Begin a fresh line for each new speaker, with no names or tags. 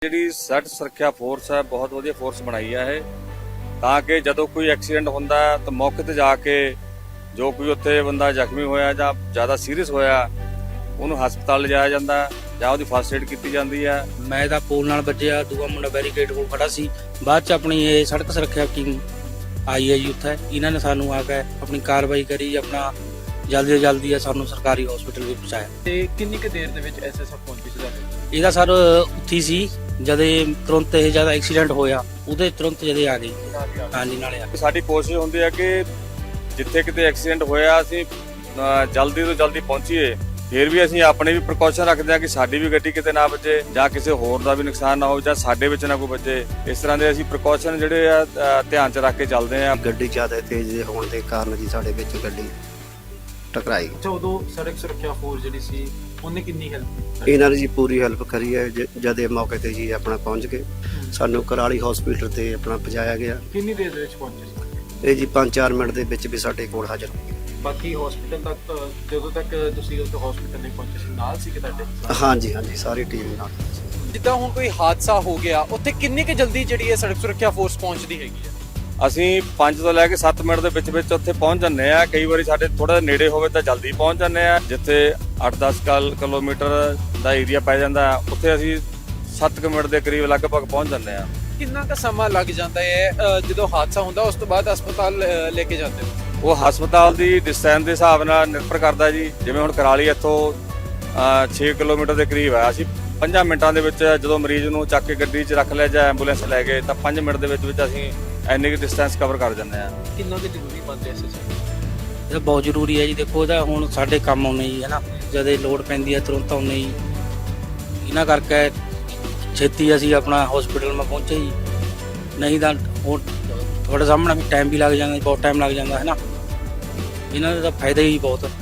ਜਿਹੜੀ ਸੜਕ ਸੁਰੱਖਿਆ ਫੋਰਸ ਹੈ ਬਹੁਤ ਵਧੀਆ ਫੋਰਸ ਬਣਾਈ ਹੈ ਇਹ, ਤਾਂ ਕਿ ਜਦੋਂ ਕੋਈ ਐਕਸੀਡੈਂਟ ਹੁੰਦਾ ਹੈ ਤਾਂ ਮੌਕੇ ਤੇ ਜਾ ਕੇ ਜੋ ਕੋਈ ਉੱਥੇ ਬੰਦਾ ਜ਼ਖਮੀ ਹੋਇਆ ਜਾਂ ਜ਼ਿਆਦਾ ਸੀਰੀਅਸ ਹੋਇਆ ਉਹਨੂੰ ਹਸਪਤਾਲ ਲਿਜਾਇਆ ਜਾਂਦਾ ਜਾਂ ਉਹਦੀ ਫਸਟ ਏਡ ਕੀਤੀ ਜਾਂਦੀ ਹੈ।
ਮੈਂ ਤਾਂ ਪੋਲ ਨਾਲ ਵੱਜਿਆ, ਦੂਆ ਮੁੰਡਾ ਬੈਰੀਕੇਡ ਕੋਲ ਖੜਾ ਸੀ। ਬਾਅਦ ਚ ਆਪਣੀ ਇਹ ਸੜਕ ਸੁਰੱਖਿਆ ਟੀਮ ਆਈ ਹੈ ਜੀ, ਉੱਥੇ ਇਹਨਾਂ ਨੇ ਸਾਨੂੰ ਆ ਕੇ ਆਪਣੀ ਕਾਰਵਾਈ ਕਰੀ, ਆਪਣਾ ਜਲਦੀ ਤੋਂ ਜਲਦੀ ਸਾਨੂੰ ਸਰਕਾਰੀ ਹਸਪੀਟਲ ਵਿੱਚ ਪਹੁੰਚਾਇਆ।
ਤੇ ਕਿੰਨੀ ਕੁ ਦੇਰ ਦੇ ਵਿੱਚ ਐਸਐਸਐਫ ਪਹੁੰਚੀ ਸੀ ਤੁਹਾਡੇ?
ਇਹਦਾ ਸਰ ਉੱਥੀ ਸੀ ਜਦੇ ਤੁਰੰਤ ਇਹ ਜਿਆਦਾ ਐਕਸੀਡੈਂਟ ਹੋਇਆ, ਉਹਦੇ ਤੁਰੰਤ ਜਦੇ ਆ ਗਈ। ਹਾਂਜੀ ਨਾਲੇ ਆ
ਸਾਡੀ ਕੋਸ਼ਿਸ਼ ਹੁੰਦੀ ਹੈ ਕਿ ਜਿੱਥੇ ਕਿਤੇ ਐਕਸੀਡੈਂਟ ਹੋਇਆ ਅਸੀਂ ਜਲਦੀ ਤੋਂ ਜਲਦੀ ਪਹੁੰਚੀਏ। ਫਿਰ ਵੀ ਅਸੀਂ ਆਪਣੇ ਵੀ ਪ੍ਰੀਕਾਸ਼ਨ ਰੱਖਦੇ ਹਾਂ ਕਿ ਸਾਡੀ ਵੀ ਗੱਡੀ ਕਿਤੇ ਨਾ ਵੱਜੇ ਜਾਂ ਕਿਸੇ ਹੋਰ ਦਾ ਵੀ ਨੁਕਸਾਨ ਨਾ ਹੋਵੇ ਜਾਂ ਸਾਡੇ ਵਿੱਚ ਨਾ ਕੋਈ ਵੱਜੇ। ਇਸ ਤਰ੍ਹਾਂ ਦੇ ਅਸੀਂ ਪ੍ਰੀਕਾਸ਼ਨ ਜਿਹੜੇ ਆ ਧਿਆਨ 'ਚ ਰੱਖ ਕੇ ਚੱਲਦੇ ਹਾਂ।
ਗੱਡੀ ਜ਼ਿਆਦਾ ਤੇਜ਼ ਹੋਣ ਦੇ ਕਾਰਨ ਜੀ ਸਾਡੇ ਵਿੱਚ ਗੱਡੀ ਟਕਰਾਈ।
ਉਦੋਂ ਸੜਕ ਸੁਰੱਖਿਆ ਫੋਰਸ ਜਿਹੜੀ ਸੀ ਉਹਨੇ ਕਿੰਨੀ ਹੈਲਪ?
ਇਹਨਾਂ ਨੇ ਜੀ ਪੂਰੀ ਹੈਲਪ ਕਰੀ ਹੈ। ਜਦ ਇਹ ਮੌਕੇ ਤੇ ਜੀ ਆਪਣਾ ਪਹੁੰਚ ਕੇ ਸਾਨੂੰ ਕਰਾਲੀ ਹਸਪੀਟਲ ਤੇ ਆਪਣਾ ਪਹੁੰਚਾਇਆ ਗਿਆ।
ਕਿੰਨੀ ਦੇਰ ਦੇ ਵਿੱਚ ਪਹੁੰਚੇ ਸੀ?
ਇਹ ਜੀ 5-4 ਮਿੰਟ ਦੇ ਵਿੱਚ ਵੀ ਸਾਡੇ ਕੋਲ ਹਾਜ਼ਰ ਹੋ ਗਏ।
ਬਾਕੀ ਹਸਪੀਟਲ ਤੱਕ ਜਦੋਂ ਤੱਕ ਤੁਸੀਂ ਉਸ ਹਸਪੀਟਲ ਨਹੀਂ ਪਹੁੰਚੇ ਸੀ ਨਾਲ ਸੀ ਕਿ ਤੁਹਾਡੇ?
ਹਾਂਜੀ ਹਾਂਜੀ, ਸਾਰੀ ਟੀਮ ਨਾਲ।
ਜਿੱਦਾਂ ਹੁਣ ਕੋਈ ਹਾਦਸਾ ਹੋ ਗਿਆ ਉੱਥੇ ਕਿੰਨੀ ਕੁ ਜਲਦੀ ਜਿਹੜੀ ਹੈ ਸੜਕ ਸੁਰੱਖਿਆ ਫੋਰਸ ਪਹੁੰਚਦੀ ਹੈਗੀ ਹੈ?
ਅਸੀਂ 5 ਤੋਂ ਲੈ ਕੇ 7 ਮਿੰਟ ਦੇ ਵਿੱਚ ਉੱਥੇ ਪਹੁੰਚ ਜਾਂਦੇ ਆ। ਕਈ ਵਾਰੀ ਸਾਡੇ ਥੋੜਾ ਨੇੜੇ ਹੋਵੇ ਤਾਂ ਜਲਦੀ ਪਹੁੰਚ ਜਾਂਦੇ ਆ। ਜਿੱਥੇ 8-10 ਕਿਲੋਮੀਟਰ ਦਾ ਏਰੀਆ ਪੈ ਜਾਂਦਾ ਉੱਥੇ ਅਸੀਂ 7 ਮਿੰਟ ਦੇ ਕਰੀਬ ਲਗਭਗ ਪਹੁੰਚ ਜਾਂਦੇ ਆ।
ਕਿੰਨਾ ਕੁ ਸਮਾਂ ਲੱਗ ਜਾਂਦਾ ਹੈ ਜਦੋਂ ਹਾਦਸਾ ਹੁੰਦਾ ਉਸ ਤੋਂ ਬਾਅਦ ਹਸਪਤਾਲ ਲੈ ਕੇ ਜਾਂਦੇ ਹੋ?
ਉਹ ਹਸਪਤਾਲ ਦੀ ਡਿਸਟੈਂਸ ਦੇ ਹਿਸਾਬ ਨਾਲ ਨਿਰਭਰ ਕਰਦਾ ਜੀ। ਜਿਵੇਂ ਹੁਣ ਕਰਾਲੀ ਇੱਥੋਂ 6 ਕਿਲੋਮੀਟਰ ਦੇ ਕਰੀਬ ਹੈ। ਅਸੀਂ 5 ਮਿੰਟਾਂ ਦੇ ਵਿੱਚ ਜਦੋਂ ਮਰੀਜ਼ ਨੂੰ ਚੱਕ ਕੇ ਗੱਡੀ 'ਚ ਰੱਖ ਲਿਆ ਜਾਂ ਐਂਬੂਲੈਂਸ ਲੈ ਗਏ ਤਾਂ 5 ਮਿੰਟ ਦੇ ਵਿੱਚ ਅਸੀਂ ਇੰਨੀ ਕੁ ਡਿਸਟੈਂਸ ਕਵਰ ਕਰ ਜਾਂਦੇ ਆ।
ਕਿੰਨਾ ਕੁ ਜ਼ਰੂਰੀ ਬਣਦਾ ਐਸਐਸਐਫ?
ਇਹ ਬਹੁਤ ਜ਼ਰੂਰੀ ਹੈ ਜੀ। ਦੇਖੋ ਇਹਦਾ ਹੁਣ ਸਾਡੇ ਕੰਮ ਆਉਣੇ ਜੀ, ਹੈ ਨਾ, ਜਦੇ ਲੋੜ ਪੈਂਦੀ ਹੈ ਤੁਰੰਤ ਆਉਣੇ ਜੀ। ਇਹਨਾਂ ਕਰਕੇ ਛੇਤੀ ਅਸੀਂ ਆਪਣਾ ਹਸਪੀਟਲ ਮੈਂ ਪਹੁੰਚੇ ਜੀ। ਨਹੀਂ ਤਾਂ ਹੁਣ ਤੁਹਾਡੇ ਸਾਹਮਣੇ ਵੀ ਟਾਈਮ ਵੀ ਲੱਗ ਜਾਂਦਾ, ਬਹੁਤ ਟਾਈਮ ਲੱਗ ਜਾਂਦਾ, ਹੈ ਨਾ। ਇਹਨਾਂ ਦਾ ਤਾਂ ਫਾਇਦਾ ਹੀ ਬਹੁਤ।